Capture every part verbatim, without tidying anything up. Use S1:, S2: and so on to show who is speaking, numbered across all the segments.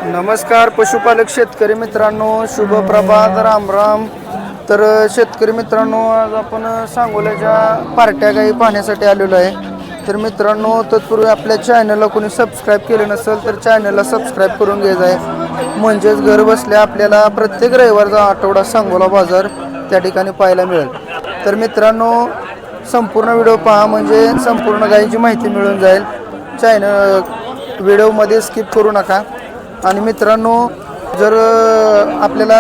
S1: नमस्कार पशुपालक शेतकरी मित्रांनो, शुभ प्रभात, राम राम. तर शेतकरी मित्रांनो, आज आपण सांगोल्याच्या पार्ट्या गाई पाहण्यासाठी आलेलो आहे. तर मित्रांनो, तत्पूर्वी आपल्या चॅनलला कोणी सबस्क्राईब केलं नसेल तर चॅनलला सबस्क्राईब करून घ्यायचं आहे. म्हणजेच घर बसल्या आपल्याला प्रत्येक रविवारचा आठवडा सांगोला बाजार त्या ठिकाणी पाहायला मिळेल. तर मित्रांनो, संपूर्ण व्हिडिओ पहा म्हणजे संपूर्ण गायीची माहिती मिळून जाईल. चॅनल व्हिडिओमध्ये स्किप करू नका. आणि मित्रांनो, जर आपल्याला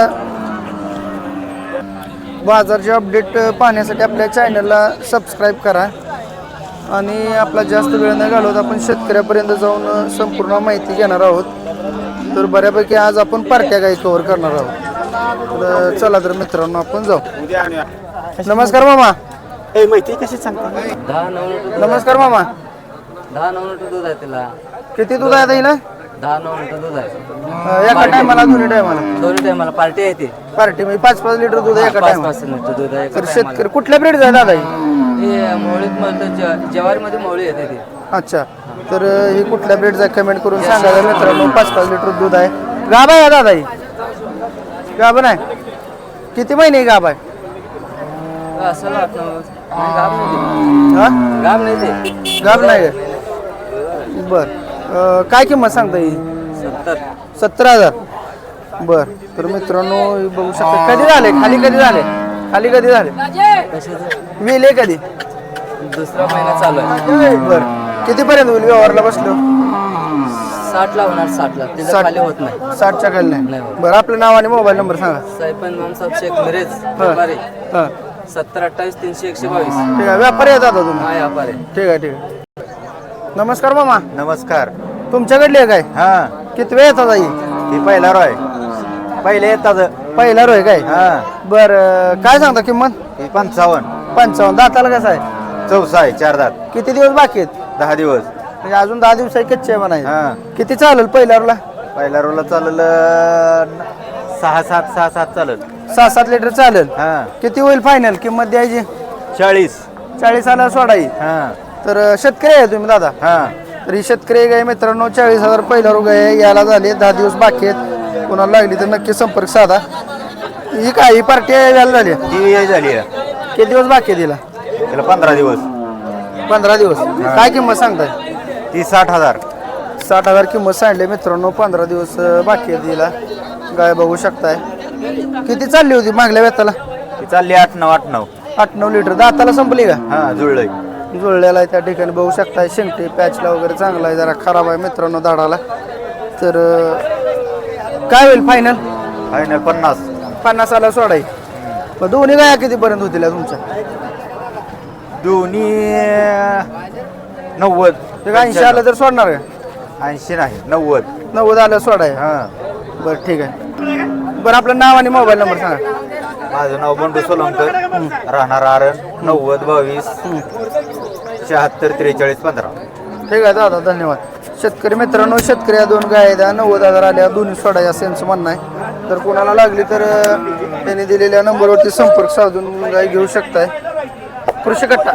S1: बाजारचे अपडेट पाहण्यासाठी आपल्या चॅनलला सबस्क्राईब करा. आणि आपला जास्त वेळ न घालवत आपण शेतकऱ्यापर्यंत जाऊन संपूर्ण माहिती घेणार आहोत. तर बऱ्यापैकी आज आपण पार्ट्या गाई कव्हर करणार आहोत. तर चला तर मित्रांनो, आपण जाऊ. नमस्कार मामा.
S2: ए माहिती कशी सांगता?
S1: नमस्कार मामा.
S3: दहा नऊ लिटर दूध आहे तिला.
S1: किती दूध आहे ताईला?
S3: दहा नऊ लिटर दूध आहे.
S1: एका टायमाला दोन्ही टायमाला?
S3: दोन्ही टायमाला पार्टी आहे ती.
S1: पार्टी म्हणजे पाच पाच लिटर दूध एका
S3: पाच
S1: टायमाला.
S3: पाच लिटर दूध आहे.
S1: तर शेतकरी कुठल्या ब्रीडचा आहे दादा ही?
S3: हे मोळीत म्हणलं जवारीमध्ये मोळी येते ती.
S1: अच्छा, तर ही कुठल्या ब्रीडचा कमेंट करून सांगा मित्रांनो. पाच पाच लिटर दूध आहे. गाभ आहे दादा ही? गाभ नाही. किती महिने गाभ आहे?
S3: असं वाटतं गाब नाही
S1: हा
S3: गाब नाही ते
S1: गाभ नाही. बर, काय किंमत सांगता ही?
S3: सत्तर
S1: सत्तर हजार. बर, तर मित्रांनो हे बघू शकता. कधी झाले खाली? कधी झाले खाली? कधी झाले?
S3: कशाचं?
S1: वेले कधी?
S3: दुसरा महिना चालू आहे.
S1: बर, कितीपर्यंत होईल व्यवहारला बसलो?
S3: साठ ला होणार. साठ ला त्याच्या
S1: साठ.
S3: खाली होत नाही.
S1: साठच्या खाली नाही.
S3: नाही होत.
S1: बरं, आपलं नाव आणि मोबाईल नंबर सांगा.
S3: साहेबन मामसाहेब शेख मिरेज
S1: हां
S3: व्यापारी.
S1: हां,
S3: सत्तर अठ्ठावीस तीनशे एकशे बावीस.
S1: ठीक आहे. व्यापारी येतात आता तुम्ही?
S3: हा व्यापारी.
S1: ठीक आहे ठीक आहे. नमस्कार मामा.
S2: नमस्कार.
S1: तुमच्याकडली आहे काय?
S2: हा,
S1: किती वेळ येतात आई?
S2: ती पहिला रोय पहिले येतात.
S1: पहिला रोय काय?
S2: हा,
S1: बरं, काय सांगता किंमत?
S2: ती पंचावन्न.
S1: पंचावन्न. दाताला कसं आहे?
S2: चौसा आहे, चार दात.
S1: किती दिवस बाकी आहेत?
S2: दहा दिवस.
S1: म्हणजे अजून दहा दिवस आहे, कच्चे म्हणायचे.
S2: हा,
S1: किती चालेल पहिल्या रोला?
S2: पहिला रोला चालेल सहा सात सहा सात चालेल.
S1: सहा सात लिटर चालेल.
S2: हा,
S1: किती होईल फायनल किंमत द्यायची?
S2: चाळीस.
S1: चाळीस आला सोडाई.
S2: हा
S1: तर शेतकरी आहे तुम्ही दादा?
S2: हा,
S1: तर ही शेतकरी गाय मित्रांनो चाळीस हजार पहिला रोग आहे. यायला झाले दहा दिवस बाकी आहेत. कोणाला लागली तर नक्की संपर्क साधा. ही काय ही पार्टी यायला झाली?
S2: ती झाली आहे.
S1: किती दिवस बाकी आहे तिला?
S2: त्याला पंधरा दिवस.
S1: पंधरा दिवस. काय किंमत सांगताय?
S2: ती साठ हजार.
S1: साठ हजार किंमत सांगली मित्रांनो. पंधरा दिवस बाकी आहे तिला. गाय बघू शकताय. किती चालली होती मागल्या वेताला?
S2: ती चालली आठ नऊ आठ नऊ
S1: आठ नऊ लिटर. दाताला संपली का?
S2: हा, जुळलंय.
S1: जुळलेला आहे त्या ठिकाणी बघू शकताय. शेंगटी पॅचला वगैरे चांगला आहे, जरा खराब आहे मित्रांनो दाडाला. तर काय होईल फायनल?
S2: फायनल पन्नास.
S1: पन्नासाला सोडाई. मग दोन्ही गाया कितीपर्यंत होतील तुमच्या?
S2: दोन्ही नव्वद.
S1: ते ऐंशी आलं तर सोडणार का?
S2: ऐंशी नाही, नव्वद.
S1: नव्वद आलं सोडाय.
S2: हा,
S1: बरं ठीक आहे. बरं, आपलं नाव आणि मोबाईल नंबर सांगा.
S2: माझं नाव बंडू सोलंकर, राहणार आरण, नव्वद बावीस शहात्तर त्रेचाळीस पंधरा.
S1: ठीक आहे दादा, धन्यवाद. शेतकरी मित्रांनो, शेतकरी या दोन गाय द्या नव्वद हजार आल्या दोन्ही सोडाय असं यांचं म्हणणं आहे. तर कोणाला लागली तर त्यांनी दिलेल्या नंबरवरती संपर्क साधून गाय घेऊ शकताय. कृषी कट्टा.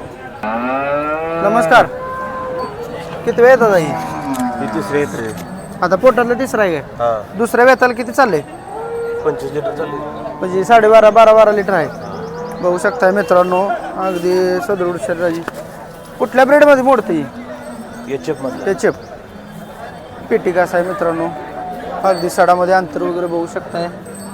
S1: नमस्कार. किती वेळ येतात आई?
S2: तिसरे येते.
S1: आता पोटातलं तिसरा आहे काय?
S2: हा,
S1: दुसऱ्या वेताला किती चाललंय?
S2: पंचवीस लिटर चालले.
S1: म्हणजे साडेबारा बारा बारा लिटर आहे. बघू शकताय मित्रांनो, अगदी सदृढ शरीराची. कुठल्या ब्रेडमध्ये मोडते ही?
S2: एचएफ मध्ये.
S1: त्याचे पेटी कसा आहे मित्रांनो. अगदी सडामध्ये अंतर वगैरे बघू शकताय.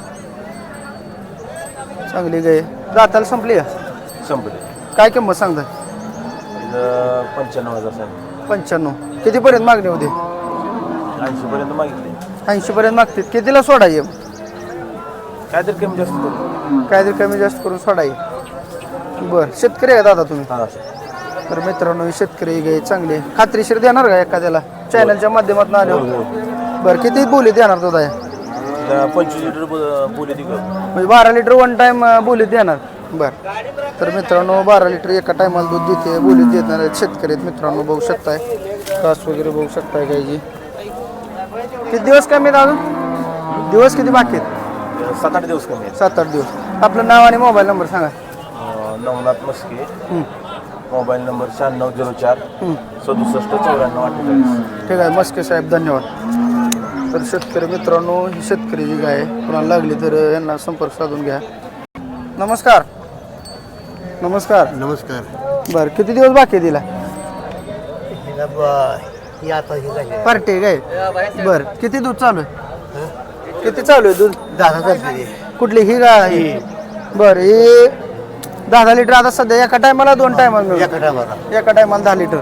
S1: चांगली गाय. दाताला संपली का?
S2: संपले.
S1: काय किंमत सांगताय?
S2: पंच्याण्णव हजार सांगितले.
S1: पंच्याण्णव. कितीपर्यंत मागणी होते?
S2: ऐंशी पर्यंत मागितले.
S1: ऐंशी पर्यंत मागते. कितीला सोडाय?
S2: काय तर कमी जास्त करू.
S1: काहीतरी कमी जास्त करून सोडाय. बरं, शेतकरी आहे दादा तुम्ही?
S2: हा,
S1: तर मित्रांनो, ही शेतकरी गाय चांगली खात्रीशीर देणार का एखाद्याला चॅनलच्या माध्यमातून आलो? बरं, किती बोली देणार तो दाया?
S2: पंचवीस लिटर बोली ती
S1: म्हणजे बारा लिटर वन टाइम बोलीत देणार. बरं, तर मित्रांनो बारा लिटर एका टायमाला दूध देते, बोलीत देणार आहेत शेतकरी आहेत मित्रांनो. बघू शकताय कास वगैरे बघू शकताय गायची. किती दिवस कमी आहेत अजून? दिवस किती बाकी आहेत?
S2: सात आठ दिवस कमी आहेत.
S1: सात आठ दिवस. आपलं नाव आणि मोबाईल नंबर सांगा.
S2: नवनाथ मस्के,
S1: हं.
S2: मोबाईल नंबर शहाण्णव झिरो चार
S1: हं.
S2: सदुसष्ट चौऱ्याण्णव अठ्ठेचाळीस.
S1: ठीक आहे मस्के साहेब, धन्यवाद. तर शेतकरी मित्रांनो ही शेतकरीची गाय आहे. कोणाला लागली तर यांना संपर्क साधून घ्या. नमस्कार. नमस्कार.
S4: नमस्कार.
S1: बर किती दिवस बाकी आहे तिला?
S4: ही आता ही झाली
S1: पार्टी गाय. बर किती दूध चालू आहे? किती चालू आहे दूध?
S4: दहा चालते
S1: कुठली ही गाय ही? बर ही दहा दहा लिटर आता सध्या एका टायमाला दोन टायमाला मिळून?
S4: एका टायमाला
S1: एका टायमाला दहा लिटर.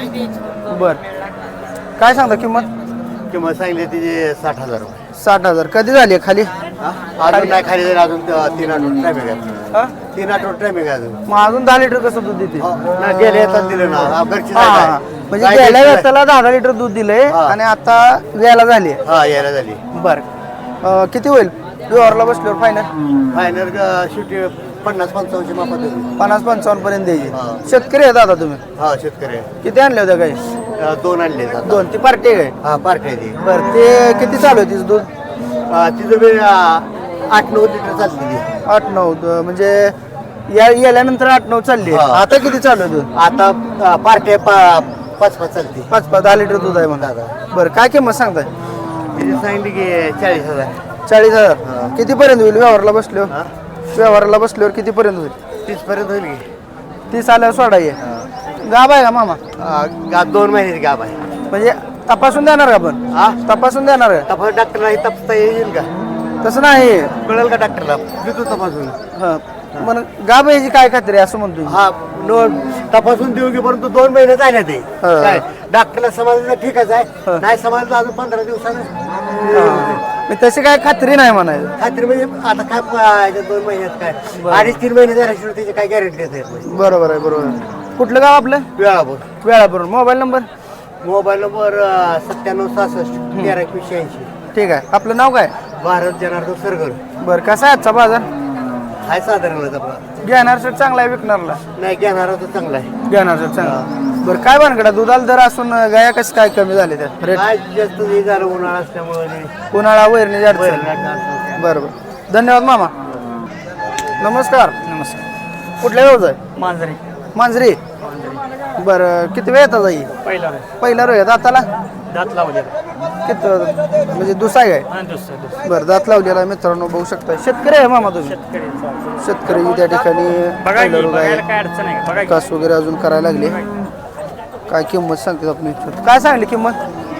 S1: बर काय सांगता किंमत?
S4: किंमत सांगितली तिचे साठ हजार रुपये.
S1: साठ हजार. कधी झाली आहे खाली?
S4: हा? अजून नाही खाली जाईल, अजून त- तीन आठवड टायमिंग आहे.
S1: हा?
S4: तीन आठवड टायमिंग आहे अजून.
S1: मग अजून दहा लिटर कसं दूध देते?
S4: हो, नाही, गेले येतात दिलं ना. हा, घरची
S1: हा,
S4: जागा
S1: हा.
S4: आहे.
S1: म्हणजे
S4: गाय
S1: गेल्या
S4: घरची आहे.
S1: वेळेला दहा दहा लिटर दूध दिलंय
S4: हा.
S1: आणि आता व्यायला झाली.
S4: हा यायला झाली.
S1: बर अं, किती होईल व्यवहारला बसल्यावर फायनल?
S4: फायनल शेवटी पन्नास पंचावन्नची मापात होती.
S1: पन्नास पंचावन्न पर्यंत
S4: हा.
S1: द्यायची. शेतकरी आहे दादा तुम्ही?
S4: हा शेतकरी आहे.
S1: किती आणले होत्या गाई?
S4: अं, दोन आणले आता.
S1: दोन. ती पार्टी आहे.
S4: हा पार्टी आहे ती.
S1: बर ते किती चालू आहे तिचं दूध?
S4: अं, तिचं बी अं, आठ नऊ लिटर चालते ती.
S1: आठ नऊ द- म्हणजे या गेल्यानंतर आठ नऊ चालली.
S4: हा.
S1: आता किती चालू आहे दूध?
S4: आता अं, पार्टी आहे, पा- पाच पाच चालते.
S1: पाच पाच दहा लिटर दूध आहे म्हणा. बरं काय किंमत सांगताय?
S4: तिने सांगितली की चाळीस हजार.
S1: चाळीस हजार. किती पर्यंत होईल व्यवहारला बसल्यावर?
S4: हा?
S1: व्यवहाराला बसल्यावर किती पर्यंत होईल?
S4: तीस पर्यंत होईल की.
S1: तीस आल्यावर सोडा ये. गाब आहे का मामा?
S4: अं, गा दोन महिन्याची गाब आहे.
S1: म्हणजे तपासून देणार का आपण?
S4: हा
S1: तपासून देणार का?
S4: तपास डॉक्टरला हे तपासता येईल का?
S1: तसं नाही.
S4: कळेल का डॉक्टरला? देतो तपासून.
S1: हा मग गाब याची काय खात्री आहे असं म्हणतो?
S4: हा नो तपासून देऊ की, परंतु दोन महिने झाले ते.
S1: हा.
S4: काय डॉक्टरला समजलं ठीकच
S1: हा.
S4: आहे, नाही समजलं अजून पंधरा दिवसानं.
S1: मी तशी काय खात्री नाही म्हणायचं.
S4: खात्री म्हणजे आता काय प- याच्यात दोन महिन्यात काय अडीच तीन महिने झाल्याशिवाय त्याची काय गॅरंटी देता येत नाही.
S1: बरोबर आहे बरोबर आहे. कुठलं गाव आपलं?
S4: Velapur.
S1: Velapur. Mobile number?
S4: Mobile number सत्त्याण्णव सहासष्ट तेरा एकवीसशे ऐंशी.
S1: ठीक आहे. आपलं नाव काय?
S4: भारत जनार्दन सरगर.
S1: बरं कसा आहे आजचा बाजार?
S4: हाय साधारणच आपला.
S1: घेणार सेट चांगला आहे विकणारला?
S4: नाही घेणारा तर चांगला आहे.
S1: घेणार सेट चांगला. बरं काय बनकडा दुधाला दर असून गाया कसं काय कमी झाले त्यात रेट?
S4: काय जास्त हे झालं उन्हाळा असल्यामुळे.
S1: उन्हाळा वैरणी अडचण.
S4: बरं.
S1: बरं बरं धन्यवाद मामा. नमस्कार.
S3: नमस्कार.
S1: कुठल्या व्यवसाय?
S3: मांजरी.
S1: मांजरी. बरं किती वेळ येतात जाई?
S3: पहिला
S1: पहिला रोय दाताला
S3: दात लावले.
S1: किती म्हणजे दुसरा आहे काय? बरं दात लावलेला आहे मित्रांनो बघू शकता. शेतकरी आहे मामा तुम्ही? शेतकरी त्या ठिकाणी पहिला रोग आहे.
S3: काय अडचण आहे बघा.
S1: कास वगैरे अजून करायला लागले. काय किंमत सांगते आपण? काय सांगली किंमत?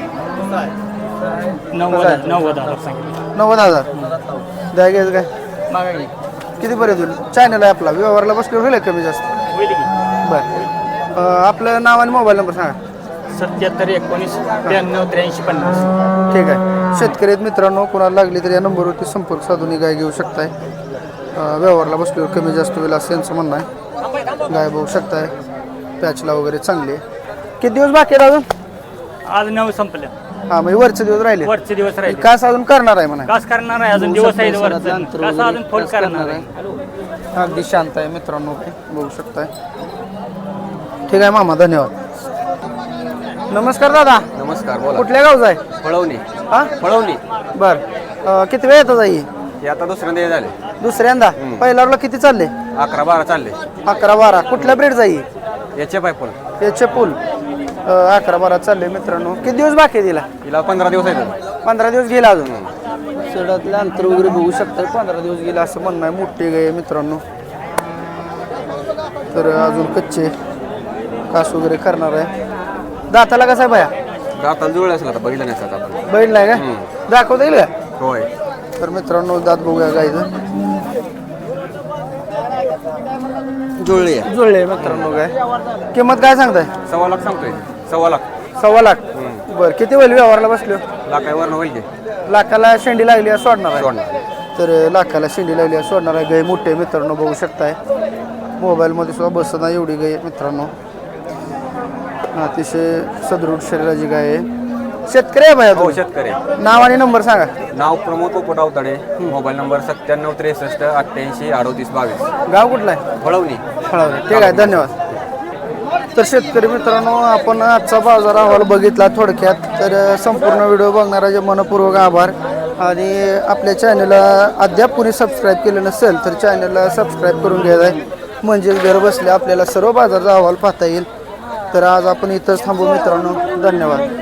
S3: नव्वद नव्वद हजार सांगितलं.
S1: नव्वद हजार. द्या घ्यायचं काय?
S3: मागा की.
S1: किती पर्यंत होईल? चॅनल आहे आपला व्यवहारला बसल्यावर होईल कमी जास्त?
S3: होईल की.
S1: बरं अं, आपलं नाव आणि मोबाईल नंबर सांगा.
S3: सत्याहत्तर एकोणीस त्र्याण्णव त्र्याऐंशी पन्नास.
S1: ठीक आहे. शेतकरी आहेत मित्रांनो कोणाला लागली तर या नंबरवरती संपर्क साधून ही गाय घेऊ शकताय. अं, व्यवहारला बसल्यावर कमी जास्त होईल असं यांचं म्हणणं आहे. गाय बघू शकताय पॅचला वगैरे चांगली आहे. किती दिवस बाकी आहेत अजून?
S3: आज नऊ संपल्या.
S1: हां म्हणजे वरचे दिवस राहिले.
S3: वरचे दिवस राहिले.
S1: कास अजून करणार आहे म्हणा.
S3: कास करणार आहे अजून दिवस आहे वरचं. कास अजून फोन करणार आहे.
S1: अगदी शांत आहे मित्रांनो बघू शकताय. ठीक आहे मामा धन्यवाद. नमस्कार दादा.
S2: नमस्कार बोला.
S1: कुठल्या गावचा आहे?
S2: पळवणी.
S1: हा
S2: पळवणी
S1: बर अं, किती वेळ येतात आई?
S2: हे आता दुसऱ्यांदा झाले.
S1: दुसऱ्यांदा. पहिल्यावरला किती चालले?
S2: अकरा बारा चालले.
S1: अकरा बारा. कुठल्या ब्रेड जाई?
S2: याचे पाय पण
S1: त्याचे पूल अकरा बारा चालले मित्रांनो. किती दिवस बाकी आहे तिला?
S2: हिला पंधरा दिवस आहेत.
S1: पंधरा दिवस गेला अजून. सडातलं अंतर वगैरे बघू शकता. पंधरा दिवस गेला असं म्हणणं आहे. मोठे गाय मित्रांनो तर अजून कच्चे कास वगैरे करणार आहे. दाताला कसा आहे बाया?
S2: दाताला जुळले असेल आता बघितलं नाही आता आपण.
S1: बैल नाही का? दाखवता येईल का?
S2: होय.
S1: तर मित्रांनो दात बघूया गायचं.
S2: जुळली आहे.
S1: जुळले मित्रांनो काय. किंमत काय सांगताय?
S2: सव्वा लाख सांगतोय. सव्वा लाख.
S1: सव्वा लाख. बरं किती होईल व्यवहारला बसलो?
S2: लाखावरनं होईल की.
S1: लाखाला शेंडी लागली आहे सोडणार आहे.
S2: सोडणार.
S1: तर लाखाला शेंडी लागली आहे सोडणार आहे. गाय मोठे मित्रांनो बघू शकताय. मोबाईलमध्ये सुद्धा बसत नाही एवढी गाय मित्रांनो. अतिशय सदृढ शरीराची गाय आहे. शेतकरी आहे बाया
S2: हो
S1: तुम्ही?
S2: शेतकरी.
S1: नाव आणि नंबर सांगा.
S2: नाव प्रमोद पोपट अवताडे. मोबाईल नंबर सत्त्याण्णव त्रेसष्ट अठ्ठ्याऐंशी अडोतीस बावीस.
S1: गाव कुठला आहे?
S2: पळवणी.
S1: फळावरे. ठीक आहे धन्यवाद. तर शेतकरी मित्रांनो आपण आजचा बाजार अहवाल बघितला थोडक्यात. तर संपूर्ण व्हिडिओ बघणाऱ्याचे मनपूर्वक आभार. आणि आपल्या चॅनलला अद्याप कोणी सबस्क्राईब केलं नसेल तर चॅनलला सबस्क्राईब करून घ्यायचं आहे. म्हणजेच घर बसल्या आपल्याला सर्व बाजाराचा अहवाल पाहता येईल. तर आज आपण इथंच थांबू मित्रांनो. धन्यवाद.